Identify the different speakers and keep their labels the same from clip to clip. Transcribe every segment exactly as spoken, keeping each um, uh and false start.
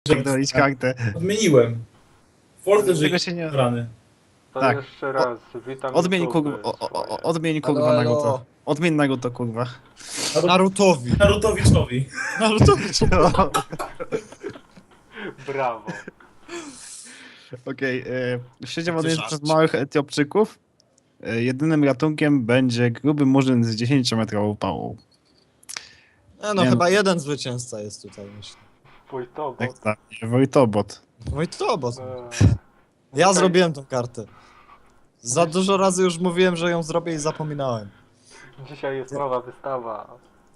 Speaker 1: Pierdolić kartę.
Speaker 2: Odmieniłem. Forte, że
Speaker 1: Tego się nie-
Speaker 2: rany.
Speaker 3: To
Speaker 1: Tak.
Speaker 3: jeszcze raz, witam
Speaker 1: Odmień
Speaker 3: YouTube
Speaker 1: kurwa, o, o, o,
Speaker 3: swoje.
Speaker 1: odmień
Speaker 4: Halo,
Speaker 1: kurwa
Speaker 4: halo.
Speaker 1: Naruto. Odmień Naruto kurwa.
Speaker 4: Narutowi.
Speaker 2: Narutowiczowi.
Speaker 4: Narutowi.
Speaker 3: Brawo.
Speaker 1: Okej, okay, siedział on jest
Speaker 4: żarcie.
Speaker 1: przez małych Etiopczyków. E, jedynym ratunkiem będzie gruby murzyn z dziesięciometrową pałą.
Speaker 4: E, no
Speaker 1: Nie
Speaker 4: chyba jeden zwycięzca jest tutaj, myślę.
Speaker 3: Wojtowo.
Speaker 1: Tak, tak. Wojtobot.
Speaker 4: No i to, bo
Speaker 3: Eee,
Speaker 4: ja
Speaker 3: Okej.
Speaker 4: zrobiłem tą kartę. Za dużo razy już mówiłem, że ją zrobię i zapominałem.
Speaker 3: Dzisiaj jest nowa wystawa.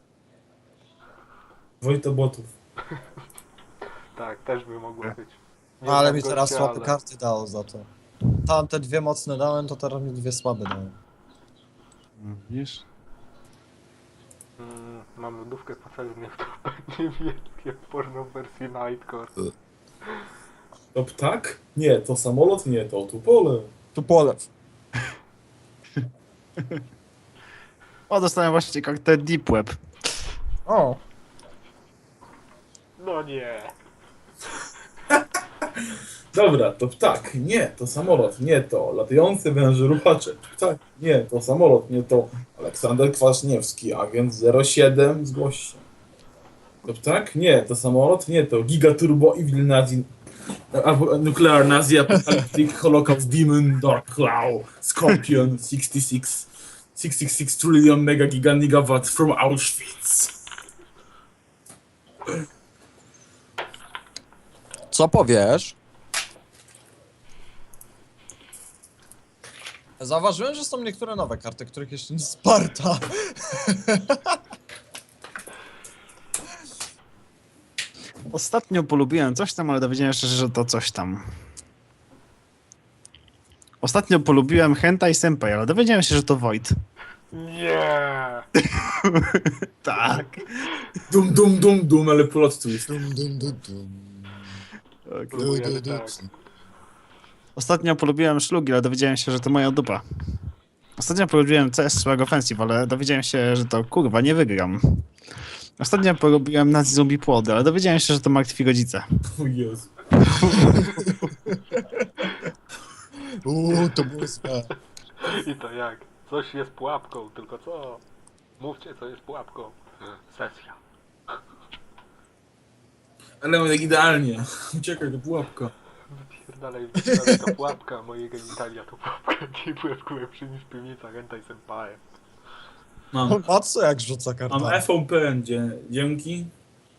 Speaker 2: Wojtobotów.
Speaker 3: Tak, też by mogło być. Nie
Speaker 4: No, ale
Speaker 3: znam
Speaker 4: mi teraz
Speaker 3: gościa,
Speaker 4: słabe
Speaker 3: ale-
Speaker 4: karty dało za to. Tamte dwie mocne dałem, to teraz mi dwie słabe dałem.
Speaker 1: No, widzisz?
Speaker 3: Mm, mam lodówkę patelnię, w to będzie wielkie porno w wersji Nightcore.
Speaker 2: To ptak? Nie, to samolot? Nie, to tupole.
Speaker 4: Tu polew.
Speaker 1: O, dostałem właśnie kartę Deep Web.
Speaker 4: O,
Speaker 3: No nie.
Speaker 2: Dobra, to ptak. Nie, to samolot. Nie, to latający węże ruchacze. Ptak. Nie, to samolot. Nie, to Aleksander Kwaśniewski, agent zero siedem, zgłoś się. To ptak? Nie, to samolot. Nie, to Gigaturbo Evil Nazi... albo Nuclear Nazi Apocalyptic Holocaust Demon Dark Claw Scorpion sześćdziesiąt sześć sześćdziesiąt sześć trillion mega giga gigawatt from Auschwitz.
Speaker 4: co powiesz? Zauważyłem, że są niektóre nowe karty, których jeszcze nie Sparta.
Speaker 1: Ostatnio polubiłem coś tam, ale dowiedziałem się, że to coś tam. Ostatnio polubiłem Hentai Senpai, ale dowiedziałem się, że to Void.
Speaker 3: Nie.
Speaker 1: Tak.
Speaker 2: Dum dum dum dum, ale plot twist.
Speaker 4: Dum, dum, dum, dum.
Speaker 1: Okay.
Speaker 3: Próbujemy tak.
Speaker 1: Ostatnio polubiłem szlugi, ale dowiedziałem się, że to moja dupa. Ostatnio polubiłem C S Swag Offensive, ale dowiedziałem się, że to kurwa nie wygram. Ostatnio polubiłem Nazi Zombie Płody, ale dowiedziałem się, że to martwi rodzice.
Speaker 2: O Jezu.
Speaker 4: Uuu, to było złe.
Speaker 3: I to jak? Coś jest pułapką, tylko co? Mówcie, co jest pułapką. Sesja.
Speaker 2: Ale tak idealnie. Uciekaj do pułapka.
Speaker 3: Wypierdalaj, wypierdalaj, to pułapka, moje genitalia to pułapka. Nie byłem lepszy niż piwnica Hentai Senpai.
Speaker 2: Mam,
Speaker 4: Patrz jak rzuca
Speaker 2: mam
Speaker 4: kartami.
Speaker 2: F O P N, dzie- dzięki.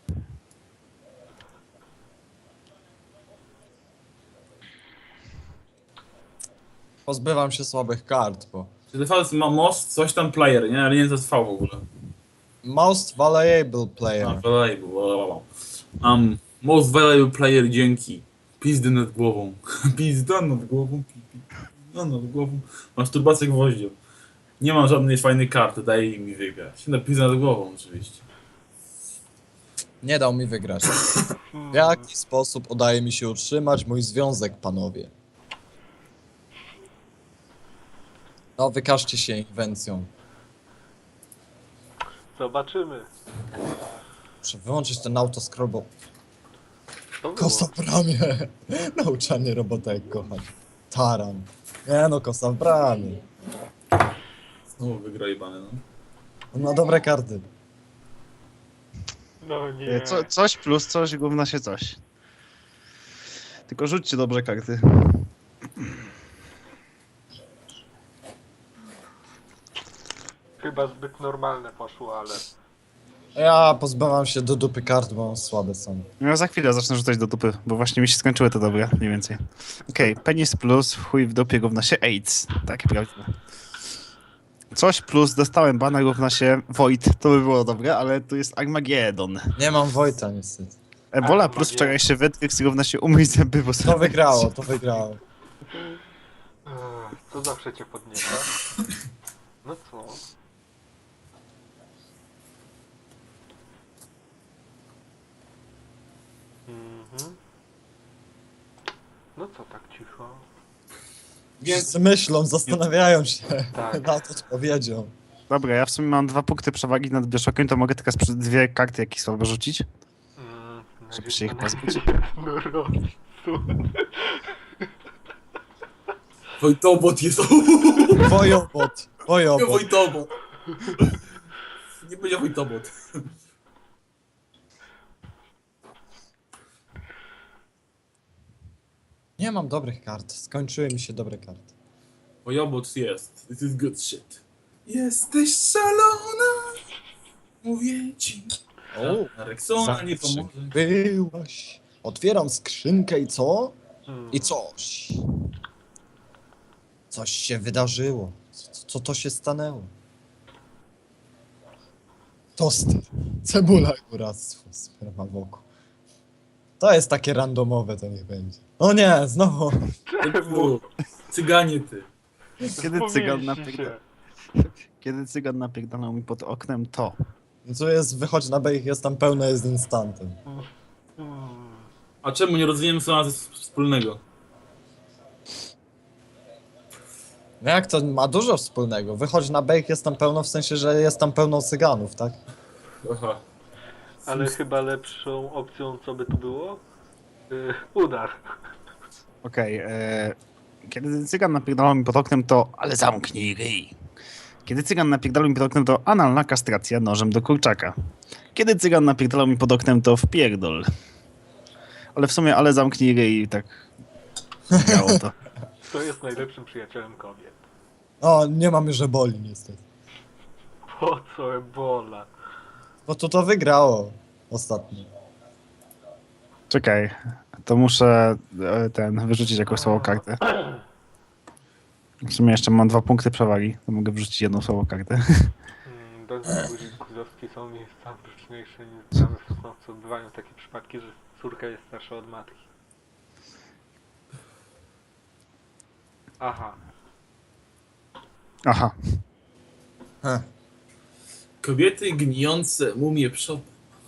Speaker 4: Pozbywam się słabych kart, bo...
Speaker 2: Czy D V ma most, coś tam player, nie? Ale nie to jest V w ogóle.
Speaker 4: Most valuable
Speaker 2: A,
Speaker 4: player.
Speaker 2: valuable, blablabla. Um, most valuable player, dzięki. Pizdy nad głową. Pizda nad głową, pi- pi- pizda nad głową. Masturbację gwoździą. Nie mam żadnej fajnej karty, daj mi wygrać. No, pizda nad głową oczywiście.
Speaker 4: Nie dał mi wygrać. W jaki sposób udaje mi się utrzymać mój związek, panowie? No, wykażcie się inwencją.
Speaker 3: Zobaczymy.
Speaker 4: Muszę wyłączyć ten autoscroll, bo
Speaker 3: To było.
Speaker 4: kosa w bramie. Nauczanie robota jak kochać. Taran. Nie no, kosa w bramie.
Speaker 2: Znowu wygrajbane, no.
Speaker 4: On ma dobre karty.
Speaker 3: No nie.
Speaker 1: Co, coś plus coś, gówna się coś. Tylko rzućcie dobrze karty.
Speaker 3: Chyba zbyt normalne poszło, ale...
Speaker 4: Ja pozbywam się do dupy kart, bo słabe są.
Speaker 1: No ja za chwilę zacznę rzucać do dupy, bo właśnie mi się skończyły te dobre, mniej więcej. Okej, okay, penis plus, w chuj w dupie równa się AIDS. Takie prawdziwe. Coś plus, dostałem bana równa się Void, to by było dobre, ale tu jest Armageddon.
Speaker 4: Nie mam Wojta niestety.
Speaker 1: Ebola plus
Speaker 3: Armageddon.
Speaker 1: wczorajszy Wetrix równa się umyć zęby, bo
Speaker 4: To wygrało, to wygrało.
Speaker 3: Ech, co zawsze cię podnieca? No co? Mhm. No co tak cicho?
Speaker 4: Wszyscy myślą, zastanawiają się
Speaker 3: Tak.
Speaker 4: nad odpowiedzią.
Speaker 1: Dobra, ja w sumie mam dwa punkty przewagi nad Bioszokiem, to mogę teraz przy dwie karty jakieś słabe rzucić.
Speaker 3: Mhm.
Speaker 1: Żeby się ich pozbyć.
Speaker 3: Jednorożcu.
Speaker 2: Wojtobot jest...
Speaker 4: Wojobot,
Speaker 2: Nie
Speaker 4: wojobot.
Speaker 2: Wojtobot. Nie będzie Wojtobot.
Speaker 4: Nie mam dobrych kart, skończyły mi się dobre karty.
Speaker 2: Wojobot jest. This is good shit. Jesteś szalona. Mówię ci.
Speaker 4: O,
Speaker 2: Rexona nie
Speaker 4: zawsze
Speaker 2: pomoże.
Speaker 4: byłaś. Otwieram skrzynkę i co?
Speaker 3: Hmm.
Speaker 4: I coś. Coś się wydarzyło. Co, co to się stanęło? Toster. Cebula góractwo. Sperma wokół. To jest takie randomowe, to niech będzie. O nie, znowu.
Speaker 2: Czemu? Cyganie ty.
Speaker 1: Kiedy cygan,
Speaker 3: Pomieści
Speaker 1: napierdala...
Speaker 3: się.
Speaker 1: Kiedy cygan napierdalał mi pod oknem, to...
Speaker 4: Co jest, wychodź na B, ich jest tam pełno, jest instantem.
Speaker 3: Hmm.
Speaker 2: A czemu nie rozwijemy co nas wspólnego?
Speaker 4: No jak to ma dużo wspólnego? Wychodź na B, ich jest tam pełno, w sensie, że jest tam pełno cyganów, tak?
Speaker 2: Aha.
Speaker 3: Ale chyba lepszą opcją, co by tu było? Yy, udar.
Speaker 1: Okej, e, kiedy cygan napierdalał mi pod oknem, to... Ale zamknij ryj. Kiedy cygan napierdalał mi pod oknem, to analna kastracja nożem do kurczaka. Kiedy cygan napierdalał mi pod oknem, to wpierdol. Ale w sumie, ale zamknij ryj, tak... Miało to.
Speaker 3: Kto jest najlepszym przyjacielem kobiet?
Speaker 4: O, nie mamy żeboli niestety.
Speaker 3: Po co ebola?
Speaker 4: No to to wygrało ostatnio.
Speaker 1: Czekaj, to muszę e, ten, wyrzucić jakąś słabą kartę. W sumie jeszcze mam dwa punkty przewagi, to mogę wrzucić jedną słabą kartę.
Speaker 3: Hmm, Domy guzowskie są miejscami liczniejsze niż znane w stosunku odbywają takie przypadki, że córka jest starsza od matki. Aha.
Speaker 1: Aha,
Speaker 4: Heh.
Speaker 2: Kobiety gnijące mumie przodem.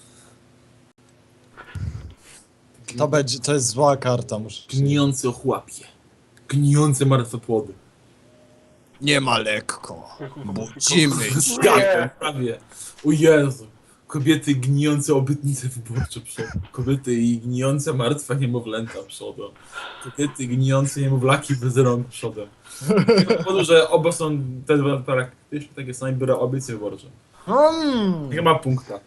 Speaker 4: To będzie, to jest zła karta, muszę przyznać.
Speaker 2: Gnijące ochłapie. Gnijące martwe płody.
Speaker 4: Nie ma lekko.
Speaker 2: Zgadłem, prawie. O Jezu. Kobiety gnijące obytnice wyborcze przodem. Kobiety i gnijące martwe niemowlęta przodem. Kobiety gnijące niemowlaki bez rąk przodem. Z tego powodu, że oba są te dwa praktycznie takie same, biorę obiecje wyborcze.
Speaker 4: Hmm.
Speaker 2: Nie ma punkta.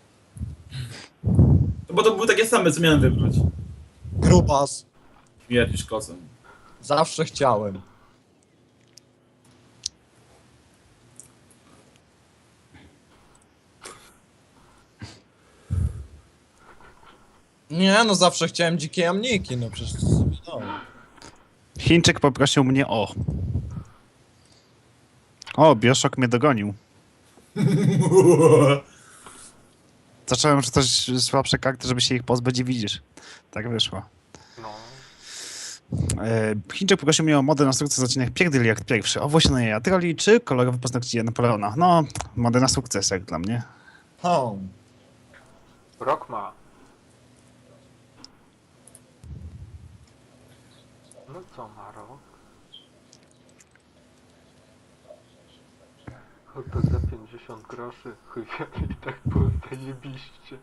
Speaker 2: No bo to były takie same, co miałem wybrać.
Speaker 4: Grubas.
Speaker 2: Śmierć kosem.
Speaker 4: Zawsze chciałem. Nie, no zawsze chciałem dzikie jamniki, no przecież to sobie dało.
Speaker 1: Chińczyk poprosił mnie o... O, Bioshock mnie dogonił. Zacząłem rzucać słabsze karty, żeby się ich pozbyć i widzisz. Tak wyszło.
Speaker 3: No.
Speaker 1: E, Chińczyk poprosił mnie o modę na sukces odcinek Pierdyli jak pierwszy. Owłosione jaja troli czy kolorowe paznokcie Napoleona. No, modę na sukces jak dla mnie.
Speaker 4: Home.
Speaker 3: Rok ma. No co ma rok? Oto za pięćdziesiąt groszy. Chuj wie, i tak było zajebiście.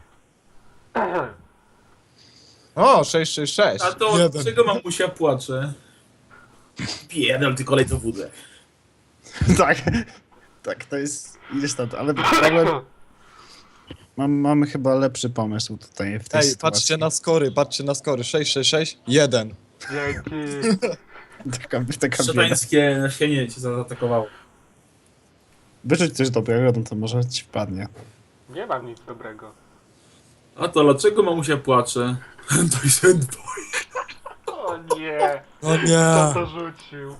Speaker 4: O, sześć sześć sześć.
Speaker 2: A to
Speaker 4: Jeden.
Speaker 2: czego mamusia płacze? Pierdol, ty kolej to wódę.
Speaker 1: Tak, tak, to jest... Idziesz tam, ale problem... Mam, mamy chyba lepszy pomysł tutaj w tej
Speaker 4: Ej,
Speaker 1: sytuacji.
Speaker 4: patrzcie na skory, patrzcie na skory. sześć sześć sześć, jeden.
Speaker 3: Dzięki.
Speaker 1: Taka, taka bieda.
Speaker 2: Szatańskie nasienie cię zaatakowało.
Speaker 1: Wyrzuć coś dobrego, no to może ci wpadnie.
Speaker 3: Nie mam nic dobrego.
Speaker 2: A to dlaczego mamusia płacze? To jest endboy.
Speaker 3: O nie.
Speaker 4: O
Speaker 3: Kto
Speaker 4: nie.
Speaker 3: to rzucił?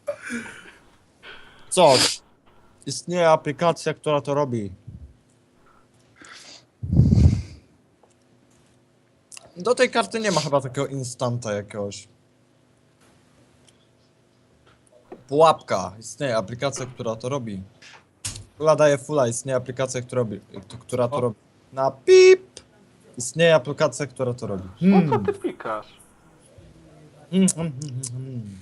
Speaker 4: Coś. Istnieje aplikacja, która to robi. Do tej karty nie ma chyba takiego instanta jakiegoś. Pułapka. Istnieje aplikacja, która to robi. Kula daje fulla. Istnieje aplikacja, która, robi, która to
Speaker 2: O.
Speaker 4: robi. Na pip. Istnieje aplikacja, która to robi.
Speaker 3: Po co ty pikasz?
Speaker 4: Hmm, hmm, hmm, hmm.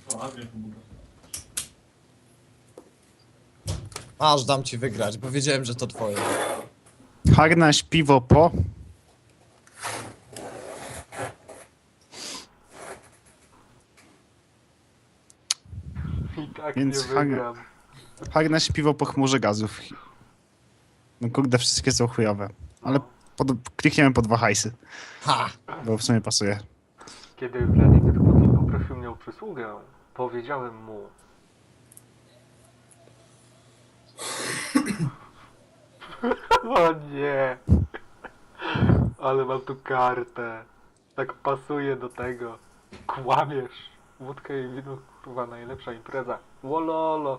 Speaker 4: Aż dam ci wygrać, bo wiedziałem, że to twoje.
Speaker 1: Harnaś piwo po...
Speaker 3: Tak
Speaker 1: Więc
Speaker 3: nie
Speaker 1: Hag-
Speaker 3: wygram.
Speaker 1: Hagna śpiwał po chmurze gazów. No kurde, wszystkie są chujowe. Ale
Speaker 3: No.
Speaker 1: pod, klikniemy po dwa hajsy,
Speaker 4: Ha!
Speaker 1: bo w sumie pasuje.
Speaker 3: Kiedy Władimir Putin poprosił mnie o przysługę, powiedziałem mu... O nie! Ale mam tu kartę. Tak pasuje do tego. Kłamiesz. Wódka i wino, kurwa, najlepsza impreza. Wololo.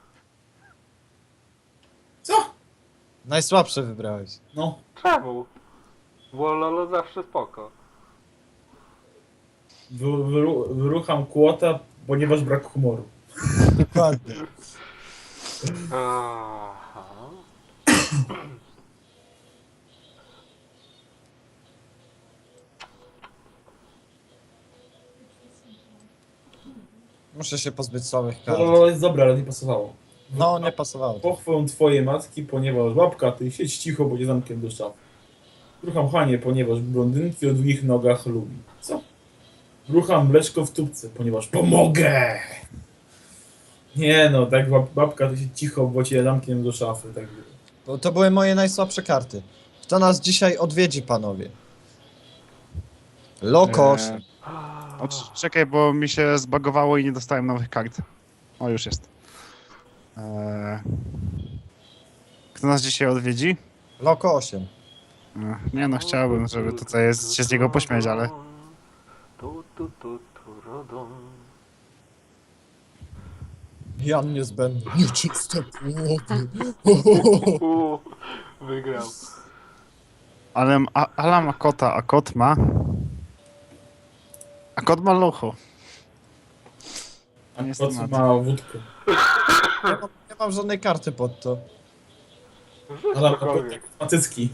Speaker 2: Co?
Speaker 4: Najsłabsze wybrałeś.
Speaker 2: No.
Speaker 3: Czemu? Wololo zawsze spoko.
Speaker 2: Wy, wyru, wyrucham kłota, ponieważ brak humoru.
Speaker 4: Dokładnie.
Speaker 3: Aha.
Speaker 4: Muszę się pozbyć słabych kart.
Speaker 2: To jest dobre, ale nie pasowało.
Speaker 4: No, nie pasowało.
Speaker 2: Pochwę twojej matki, ponieważ babka, ty siedź cicho, bo nie zamknę do szafy. Rucham Hanie, ponieważ blondynki o długich nogach lubi. Co? Rucham mleczko w tubce, ponieważ pomogę! Nie no, tak bab, babka, ty siedź cicho, bo cię zamknę do szafy. Tak.
Speaker 4: Bo to były moje najsłabsze karty. Kto nas dzisiaj odwiedzi, panowie? Lokosz.
Speaker 1: Eee, o, c- czekaj, bo mi się zbagowało i nie dostałem nowych kart. O, już jest. Eee, kto nas dzisiaj odwiedzi?
Speaker 4: Loko osiem.
Speaker 1: Eee, nie no, chciałbym, żeby tutaj jest, się z niego pośmiać, ale...
Speaker 3: Tu, tu, tu, tu, rodom.
Speaker 4: Jan niezbędny. Nieczyste płoty.
Speaker 3: U, wygrał.
Speaker 1: Ale a, Ala ma kota, a kot ma... A kot ma locho.
Speaker 2: A
Speaker 1: Nie jest
Speaker 2: po co
Speaker 1: temat.
Speaker 2: ma wódkę?
Speaker 4: Nie mam, nie mam żadnej karty pod to.
Speaker 2: Ale
Speaker 3: Cokolwiek.
Speaker 2: ma cycki.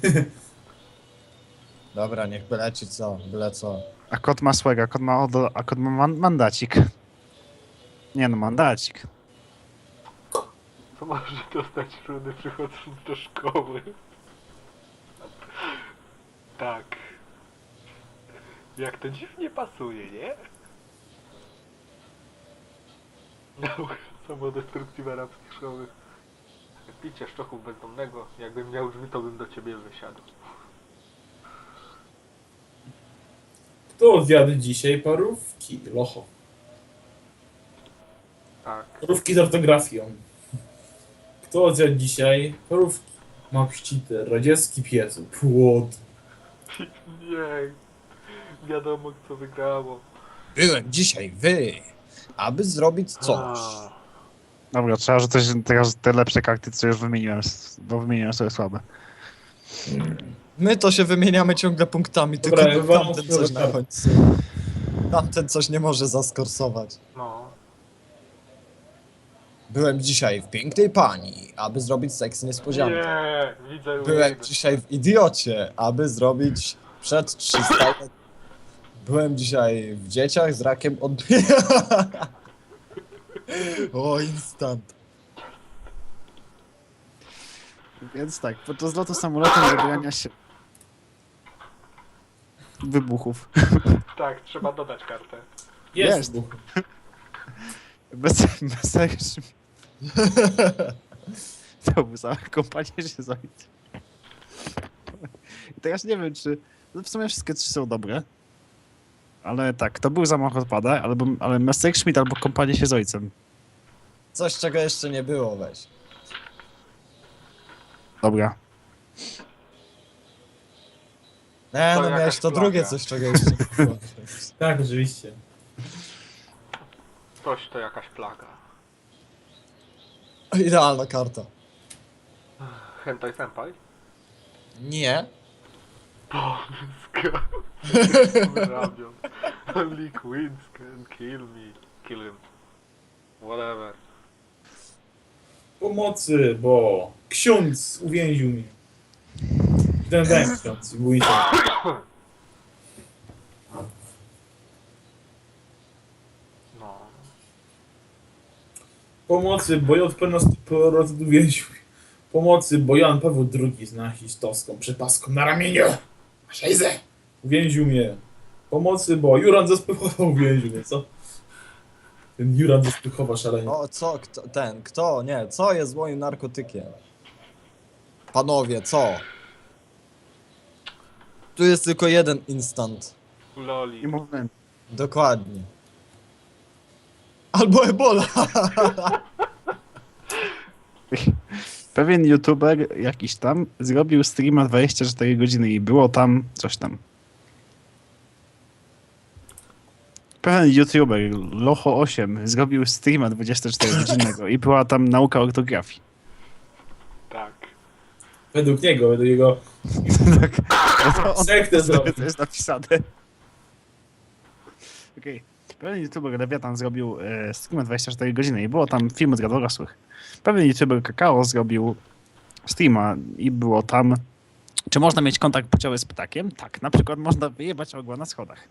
Speaker 4: Dobra, niech byle ci co, byle co.
Speaker 1: A kot ma swega, kot ma odo, a kot ma man, mandacik. Nie no, mandacik.
Speaker 3: Co może dostać rudy przychodząc do szkoły? Tak. Jak to dziwnie pasuje, nie? Nauka samodestrukcji w arabskich szkołach. Picie szczochów bezdomnego. Jakbym miał drzwi, to bym do ciebie wysiadł.
Speaker 2: Kto zjadł dzisiaj parówki? Locho.
Speaker 3: Tak.
Speaker 2: Parówki z ortografią. Kto zjadł dzisiaj parówki? Ma pszcity, radziecki piecu, płot.
Speaker 3: Nie. Wiadomo, kto wygrało.
Speaker 4: Byłem dzisiaj wy, aby zrobić coś.
Speaker 3: A,
Speaker 1: Dobra, trzeba rzucać teraz te lepsze karty, co już wymieniłem, bo wymieniłem sobie słabe.
Speaker 4: My to się wymieniamy ciągle punktami,
Speaker 2: Dobra,
Speaker 4: tylko
Speaker 2: wywalam
Speaker 4: tamten
Speaker 2: sobie
Speaker 4: coś na
Speaker 2: kartę.
Speaker 4: końcu. Tamten coś nie może zaskorsować.
Speaker 3: no.
Speaker 4: Byłem dzisiaj w pięknej pani, aby zrobić seks niespodziankę.
Speaker 3: Nie, widzę
Speaker 4: Byłem
Speaker 3: win.
Speaker 4: dzisiaj w idiocie, aby zrobić przed trzysta. Byłem dzisiaj w dzieciach z rakiem odbija. O, instant.
Speaker 1: Więc tak, podczas lotu samolotem zabierania się wybuchów.
Speaker 3: Tak, trzeba dodać kartę.
Speaker 2: Jest.
Speaker 1: Jest.
Speaker 2: Buch.
Speaker 1: Bez, bez sensu. To by za kompanię się zajęć. I teraz nie wiem, czy... No w sumie wszystkie trzy są dobre. Ale tak, to był zamach odpada, albo, ale Messerschmitt albo kompanie się z ojcem.
Speaker 4: Coś, czego jeszcze nie było, weź.
Speaker 1: Dobra.
Speaker 4: Nie,
Speaker 3: To
Speaker 4: no
Speaker 3: jakaś
Speaker 4: miałeś to
Speaker 3: plaga.
Speaker 4: drugie coś, czego jeszcze nie było.
Speaker 2: Tak, oczywiście.
Speaker 3: Coś to jakaś plaga.
Speaker 4: Idealna karta.
Speaker 3: Hentai senpai?
Speaker 4: Nie.
Speaker 3: Polska. Wyrabiam. Only queens can kill me. Kill him. Whatever.
Speaker 2: Pomocy, bo ksiądz uwięził mnie. Ten ten ksiądz, bój się.
Speaker 3: No.
Speaker 2: Pomocy, bo J P nas uwięził. Pomocy, bo Jan Paweł drugi z nazistowską przepaską na ramieniu. Szejze! Uwięził mnie. Pomocy, bo Juran ze spychował uwięził mnie, co? Ten Juran ze Spychowa szalenie.
Speaker 4: O, co, kto, ten, kto, nie, co jest moim narkotykiem? Panowie, co? Tu jest tylko jeden instant.
Speaker 3: Loli.
Speaker 1: I moment.
Speaker 4: Dokładnie. Albo Ebola.
Speaker 1: Pewien youtuber jakiś tam zrobił streama dwadzieścia cztery godziny i było tam coś tam. Pewien youtuber, Locho osiem, zrobił streama dwadzieścia cztery godzinnego i była tam nauka ortografii.
Speaker 3: Tak.
Speaker 2: Według niego, według jego
Speaker 1: Tak. No to on
Speaker 2: sektę
Speaker 1: sobie
Speaker 2: zrobił.
Speaker 1: to jest napisane. Okej. Pewien youtuber Lewiatan zrobił e, streama dwadzieścia cztery godziny i było tam film dla dorosłych. Pewien youtuber Kakao zrobił streama i było tam... Czy można mieć kontakt płciowy z ptakiem? Tak, na przykład można wyjebać ogła na schodach.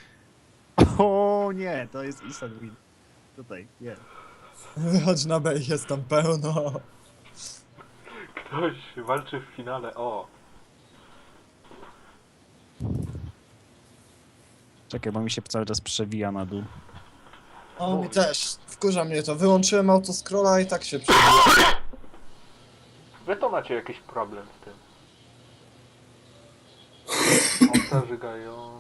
Speaker 1: O nie, to jest instant win. Tutaj, nie.
Speaker 4: Wychodź na B, jest tam pełno.
Speaker 3: Ktoś walczy w finale, o.
Speaker 1: Czekaj, bo mi się cały czas przewija na dół.
Speaker 4: O, mi też. Wkurza mnie to. Wyłączyłem autoscrolla i tak się przebija.
Speaker 3: Wy to macie jakiś problem z tym. Obca żygają...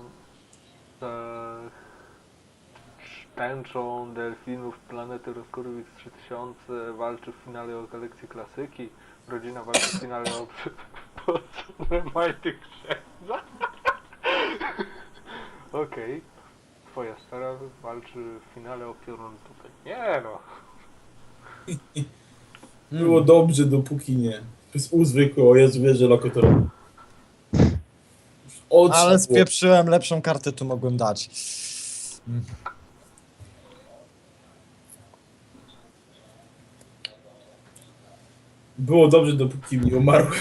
Speaker 3: Tęczą delfinów planety Roskorowicz trzy tysiące walczy w finale o kolekcję klasyki. Rodzina walczy w finale o majty księdza. Okej. Twoja stara walczy w finale o piorun tutaj. Nie no.
Speaker 2: Było dobrze, dopóki nie. Przez uzwykły, o Jezu, wiesz, że lokatora.
Speaker 4: Ale spieprzyłem, lepszą kartę tu mogłem dać. Mm.
Speaker 2: Było dobrze, dopóki nie umarłem.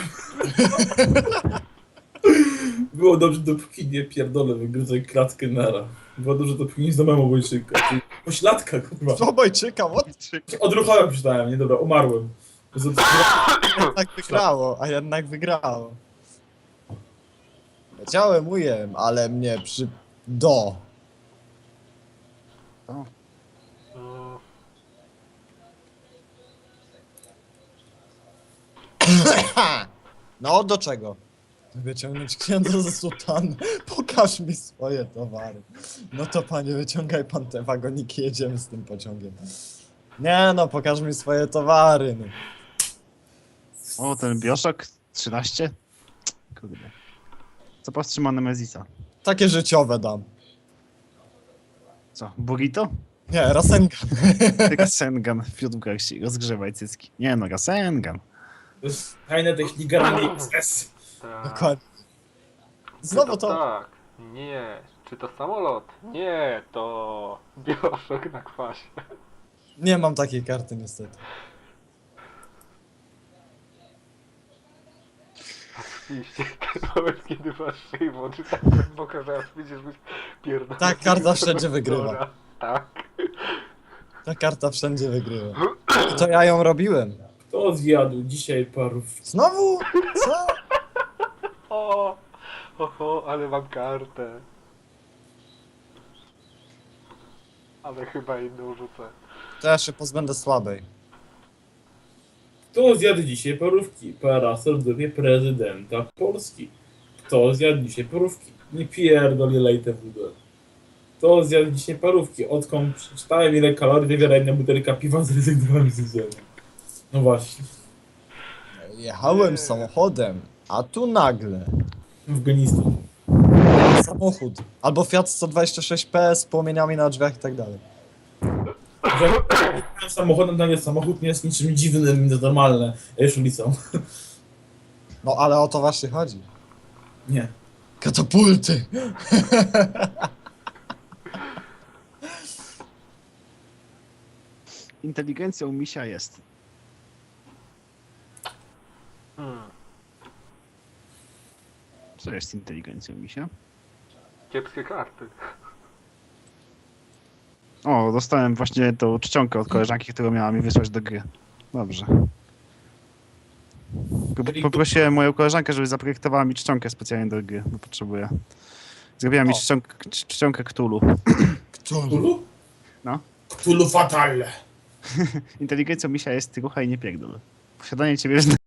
Speaker 2: Było dobrze, dopóki nie pierdolę, wygryzę klatkę nara. Było dobrze, dopóki nie zdomałem obojczyka. Czyli pośladka, kurwa.
Speaker 4: Obojczyka, what?
Speaker 2: Odruchałem przydałem, nie dobra, umarłem. Z-
Speaker 4: Jednak wygrało, a jednak wygrało. Leciałem ujem, ale mnie przy... do.
Speaker 3: Mm,
Speaker 4: No, do czego? Wyciągnąć księdza ze sutan. Pokaż mi swoje towary. No to panie, wyciągaj pan te wagoniki, jedziemy z tym pociągiem. Nie no, pokaż mi swoje towary. No.
Speaker 1: O, ten Bioshock trzynaście? Kurde. Co powstrzyma Nemezisa?
Speaker 4: Takie życiowe dam.
Speaker 1: Co, Burrito?
Speaker 4: Nie, Rasengan.
Speaker 1: Rasengan w piątku rozgrzewaj cycki. Nie no, Rasengan.
Speaker 2: To jest tajna technika na X.
Speaker 3: tak.
Speaker 4: Dokładnie.
Speaker 3: Czy
Speaker 4: Znowu to...
Speaker 3: Tak. Nie. Czy to samolot? Nie, to Bioshock na kwasie.
Speaker 4: Nie mam takiej karty niestety.
Speaker 3: Oczywiście, ten moment, kiedy masz szyję wody tak głęboko, że aż widzisz, byś pierdolony.
Speaker 4: Tak, karta wszędzie wygrywa.
Speaker 3: Tak.
Speaker 4: Ta karta wszędzie wygrywa. I to ja ją robiłem.
Speaker 2: Kto zjadł dzisiaj parów?
Speaker 4: Znowu? Co?
Speaker 3: O, oho, ale mam kartę. Ale chyba inną rzucę.
Speaker 4: To ja się pozbędę słabej.
Speaker 2: Kto zjadł dzisiaj parówki? Parasol w dupie prezydenta Polski. Kto zjadł dzisiaj parówki? Nie pierdoli lejte wódę. Kto zjadł dzisiaj parówki? Odkąd przeczytałem, ile kalorii wywiera jedna butelka piwa, zrezygnowałem z jedzenia. No właśnie.
Speaker 4: Jechałem samochodem, a tu nagle
Speaker 2: Afganistan.
Speaker 4: samochód. Albo Fiat sto dwadzieścia sześć P z płomieniami na drzwiach i tak dalej.
Speaker 2: Że samochodem dla mnie samochód nie jest niczym dziwnym, to normalne. A już ulicą.
Speaker 4: No ale o to właśnie chodzi.
Speaker 2: Nie.
Speaker 4: Katapulty!
Speaker 1: Inteligencja u misia jest.
Speaker 3: Hmm.
Speaker 1: Co jest inteligencją misia?
Speaker 3: Kiepskie karty.
Speaker 1: O, dostałem właśnie tą czcionkę od koleżanki, którą miała mi wysłać do gry. Dobrze. Po- Poprosiłem moją koleżankę, żeby zaprojektowała mi czcionkę specjalnie do gry, bo potrzebuję. Zrobiła mi
Speaker 4: O.
Speaker 1: czcionkę, czcionkę Cthulhu.
Speaker 4: Cthulhu?
Speaker 2: Ulu?
Speaker 1: No.
Speaker 2: Cthulhu Fatal.
Speaker 1: Inteligencją misia jest rucha i nie pierdol. Posiadanie ciebie